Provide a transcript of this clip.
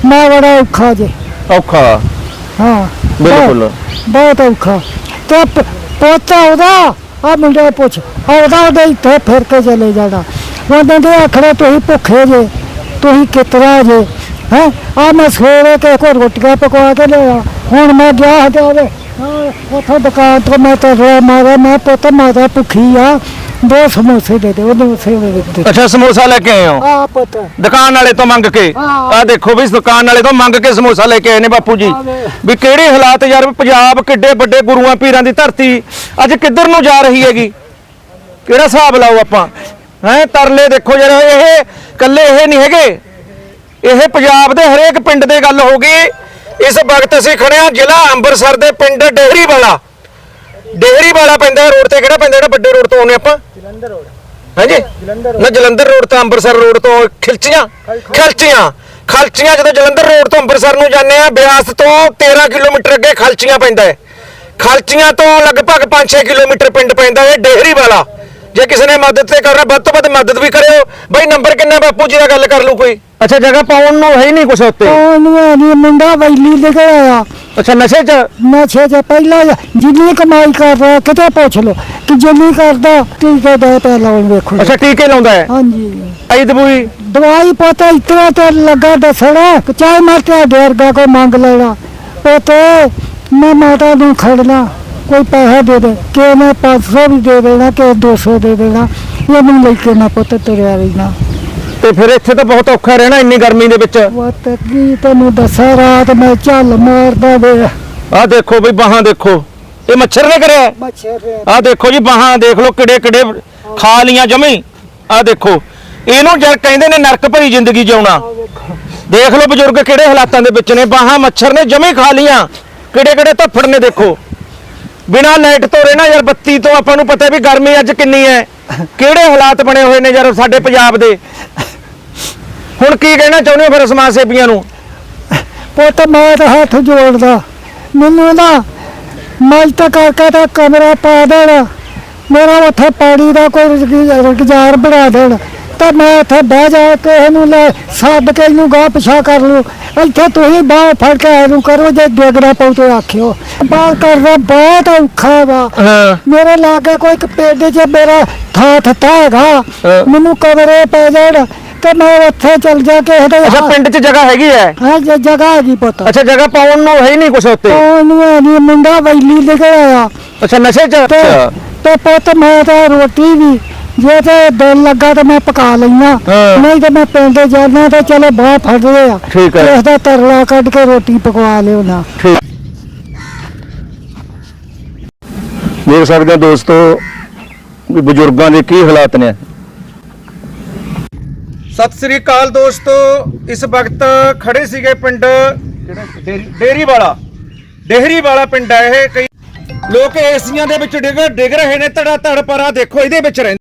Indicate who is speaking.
Speaker 1: मैं बड़ा औखा जे।
Speaker 2: औखा
Speaker 1: हाँ
Speaker 2: बिल्कुल
Speaker 1: बहुत औखा। तो पोता ओदा आ मुंडे पुछ ओदा ओदे इत्थे फिर के चले जाना ओदे दे आखड़े तुसीं भुखे जे तुसीं कितरा जे हैं आ मैं सवेरे के को रोटियां पकवा के लिया हुण मैं गया जावे उथों दुकान तो मैं तो मारा मैं पुत माता भुखी आ 2 समोसे दे दे ओदे
Speaker 2: अच्छा समोसा लेके आए हो
Speaker 1: आ पुत
Speaker 2: दुकान वाले तो मंग के आ देखो भी दुकान वाले तो मंग के समोसा लेके आए ने बापू जी भी किहड़े हालात यार पंजाब किड्डे बड़े गुरुआं पीरां दी धरती अज किधर नूं जा रही हैगी किहड़ा हिसाब लाओ आपां हैं तरले देखो यार ये कल्ले ये नहीं हैगे ਇਹ ਪੰਜਾਬ ਦੇ ਹਰੇਕ ਪਿੰਡ ਦੇ ਗੱਲ ਹੋ ਗਈ ਇਸ ਵਕਤ ਅਸੀਂ ਖੜੇ ਆ ਜ਼ਿਲ੍ਹਾ ਅੰਮ੍ਰਿਤਸਰ ਦੇ ਪਿੰਡ ਡੇਹਰੀ ਵਾਲਾ ਪੈਂਦਾ ਰੋਡ ਤੇ ਕਿਹੜਾ ਪੈਂਦਾ ਜਿਹੜਾ ਵੱਡੇ ਰੋਡ ਤੋਂ ਆਉਨੇ ਆਪਾਂ ਜਲੰਧਰ ਰੋਡ ਹਾਂਜੀ ਜਲੰਧਰ ਰੋਡ ਤੋਂ ਅੰਮ੍ਰਿਤਸਰ ਰੋਡ ਤੋਂ ਖਲਚੀਆਂ ਜਦੋਂ ਜਲੰਧਰ ਰੋਡ ਤੋਂ ਅੰਮ੍ਰਿਤਸਰ ਨੂੰ ਜਾਂਦੇ ਆ ਬਿਆਸ ਤੋਂ 13 ਕਿਲੋਮੀਟਰ ਅੱਗੇ ਖਲਚੀਆਂ ਪੈਂਦਾ ਹੈ ਖਲਚੀਆਂ ਤੋਂ ਲਗਭਗ 5-6 ਕਿਲੋਮੀਟਰ ਪਿੰਡ ਪੈਂਦਾ ਹੈ ਡੇਹਰੀ ਵਾਲਾ ਜੇ ਕਿਸੇ ਨੇ ਮਦਦ ਤੇ ਕਰਨਾ ਵੱਧ ਤੋਂ ਵੱਧ ਮਦਦ ਵੀ ਕਰਿਓ ਬਈ ਨੰਬਰ ਕਿੰਨਾ ਬਾਪੂ ਜੀ ਦਾ ਗੱਲ ਕਰ ਲਓ ਕੋਈ ਅੱਛਾ ਜਗ੍ਹਾ ਪਾਉਣ ਨੂੰ ਹੈ ਨਹੀਂ ਕੁਛ ਉੱਤੇ
Speaker 1: ਨਹੀਂ ਮੁੰਡਾ ਵੈਲੀ ਦੇ ਕੇ ਆਇਆ
Speaker 2: ਅੱਛਾ ਨਸ਼ੇ ਚ
Speaker 1: ਪਹਿਲਾਂ ਜਿੰਨੀ ਕਮਾਈ ਕਰਦਾ ਕਿਤੇ ਪੁੱਛ ਲੋ ਕਿ ਜਿੰਨੀ ਕਰਦਾ ਟੀਕੇ ਦੇ ਤੇ ਲਾਉਣ ਵੇਖੋ
Speaker 2: ਅੱਛਾ ਟੀਕੇ ਲਾਉਂਦਾ ਹੈ
Speaker 1: ਹਾਂਜੀ
Speaker 2: ਆਈ
Speaker 1: ਦਵਾਈ ਪਤਾ ਇਤਨਾ ਤੇ ਲੱਗਾ ਦੱਸਣਾ ਕਿ ਚਾਹੇ ਮੈਂ ਤੇ ਡੇਰਗਾ ਕੋ ਮੰਗ ਲੈਣਾ ਪਤੇ ਮੈਂ ਮਾਤਾ ਨੂੰ ਖੜਨਾ कोई पैसा दे दे कि मैं 500 भी दे देना कि 200 दे देना ये मैं लेके ना पुत तुरिया रहना
Speaker 2: ਤੇ ਫਿਰ ਇੱਥੇ ਤਾਂ ਬਹੁਤ ਔਖਾ ਰਹਿਣਾ ਇੰਨੀ ਗਰਮੀ ਦੇ ਵਿੱਚ
Speaker 1: ਪੁੱਤ ਕੀ ਤੈਨੂੰ ਦੱਸਾਂ ਰਾਤ ਮੈਂ ਝੱਲ ਮਾਰਦਾ ਵੇ
Speaker 2: ਆਹ ਦੇਖੋ ਬਈ ਬਾਹਾਂ ਦੇਖੋ ਇਹ ਮੱਛਰ ਨੇ ਕਰਿਆ
Speaker 1: ਮੱਛਰ
Speaker 2: ਆਹ ਦੇਖੋ ਜੀ ਬਾਹਾਂ ਦੇਖ ਲਓ ਕਿੜੇ ਖਾ ਲੀਆਂ ਜਮੀ ਆਹ ਦੇਖੋ ਇਹਨੂੰ ਜਦ ਕਹਿੰਦੇ ਨੇ ਨਰਕ ਭਰੀ ਜ਼ਿੰਦਗੀ ਜਿਉਣਾ ਦੇਖ ਲਓ ਬਜ਼ੁਰਗ ਕਿਹੜੇ ਹਾਲਾਤਾਂ ਦੇ ਵਿੱਚ ਨੇ ਬਾਹਾਂ ਮੱਛਰ ਨੇ ਜਮੀ ਖਾ ਲੀਆਂ ਕਿਹੜੇ ਧੱਫੜ ਨੇ ਦੇਖੋ ਬਿਨਾਂ ਲਾਈਟ ਤੋਂ ਰਹਿਣਾ ਯਾਰ ਬੱਤੀ ਤੋਂ ਆਪਾਂ ਨੂੰ ਪਤਾ ਵੀ ਗਰਮੀ ਅੱਜ ਕਿੰਨੀ ਹੈ ਕਿਹੜੇ ਹਾਲਾਤ ਬਣੇ ਹੋਏ ਨੇ ਯਾਰ ਸਾਡੇ ਪੰਜਾਬ ਦੇ ਹੁਣ ਕੀ ਕਹਿਣਾ ਚਾਹੁੰਦੇ ਹੋ ਫਿਰ ਸਮਾਜ ਸੇਵੀਆਂ ਨੂੰ
Speaker 1: ਪੁੱਤ ਮੈਂ ਤਾਂ ਹੱਥ ਜੋੜਦਾ ਮੈਨੂੰ ਨਾ ਮਲਤ ਕਰਕੇ ਤਾਂ ਕਮਰਾ ਪਾ ਦੇਣਾ ਮੇਰਾ ਉੱਥੇ ਪਾਣੀ ਦਾ ਕੋਈ ਰੁਜ਼ਗਾਰ ਬਣਾ ਦੇਣ ਤਾਂ ਮੈਂ ਉੱਥੇ ਬਹਿ ਜਾ ਕੇ ਇਹਨੂੰ ਲੈ ਛੱਡ ਕੇ ਇਹਨੂੰ ਗਾਹ ਪਿਛਾ ਕਰ ਲੂ ਇੱਥੇ ਤੁਸੀਂ ਬਾਹ ਫੜ ਕੇ ਇਹਨੂੰ ਕਰੋ ਜੇ ਡੇਗਣਾ ਪਊ ਤੇ ਆਖਿਓ ਬਾਹ ਕਰਨਾ ਬਹੁਤ ਔਖਾ ਵਾ ਮੇਰੇ ਲਾਗੇ ਕੋਈ ਇੱਕ ਪਿੰਡ 'ਚ ਮੇਰਾ ਥਾਂ ਹੈਗਾ ਮੈਨੂੰ ਕਮਰੇ ਪੈ ਜਾਣ ਤੇ ਮੈਂ ਉੱਥੇ ਚੱਲ ਜਾ ਕੇ
Speaker 2: ਅੱਛਾ ਪਿੰਡ 'ਚ ਜਗ੍ਹਾ ਹੈਗੀ ਹੈ
Speaker 1: ਹਾਂ ਜਗ੍ਹਾ ਹੈਗੀ ਪੁੱਤ ਅੱਛਾ
Speaker 2: ਜਗ੍ਹਾ ਪਾਉਣ ਨੂੰ ਹੈ ਨਹੀਂ ਕੁਛ ਉੱਤੇ
Speaker 1: ਉਹਨੂੰ ਨਹੀਂ ਮੁੰਡਾ ਵੈਲੀ ਦੇ ਕੇ ਆਇਆ
Speaker 2: ਅੱਛਾ ਨਸ਼ੇ 'ਚ
Speaker 1: ਤੇ ਪੁੱਤ ਮੈਂ ਤਾਂ ਰੋਟੀ ਵੀ ਜੇ ਤੇ ਦਿਲ ਲੱਗਾ ਤਾਂ ਮੈਂ ਪਕਾ ਲੈਣਾ ਨਹੀਂ ਤਾਂ ਮੈਂ ਪਿੰਡ ਜਾਣਾ ਤਾਂ ਚਲੋ ਬਾਹ ਫੜਦੇ ਆ ਇਸ ਦਾ ਤਰਲਾ ਕੱਢ ਕੇ ਰੋਟੀ ਪਕਵਾ ਲਿਓ ਨਾ
Speaker 2: ਦੇਖ ਸਕਦੇ ਹੋ ਦੋਸਤੋ ਵੀ ਬਜ਼ੁਰਗਾਂ ਦੇ ਕੀ ਹਾਲਾਤ ਨੇ ਸਤਿ ਸ੍ਰੀ ਅਕਾਲ ਦੋਸਤੋ ਇਸ ਵਕਤ ਖੜੇ ਸੀਗੇ ਪਿੰਡ ਡੇਹਰੀ ਵਾਲਾ ਪਿੰਡ ਹੈ ਇਹ ਕਈ ਲੋਕ ਏਸੀਆਂ ਦੇ ਵਿੱਚ ਡਿੱਗ ਰਹੇ ਨੇ ਧੜਾ ਧੜ ਪਰ ਆ ਦੇਖੋ ਇਹਦੇ ਵਿੱਚ ਰਹਿੰਦੇ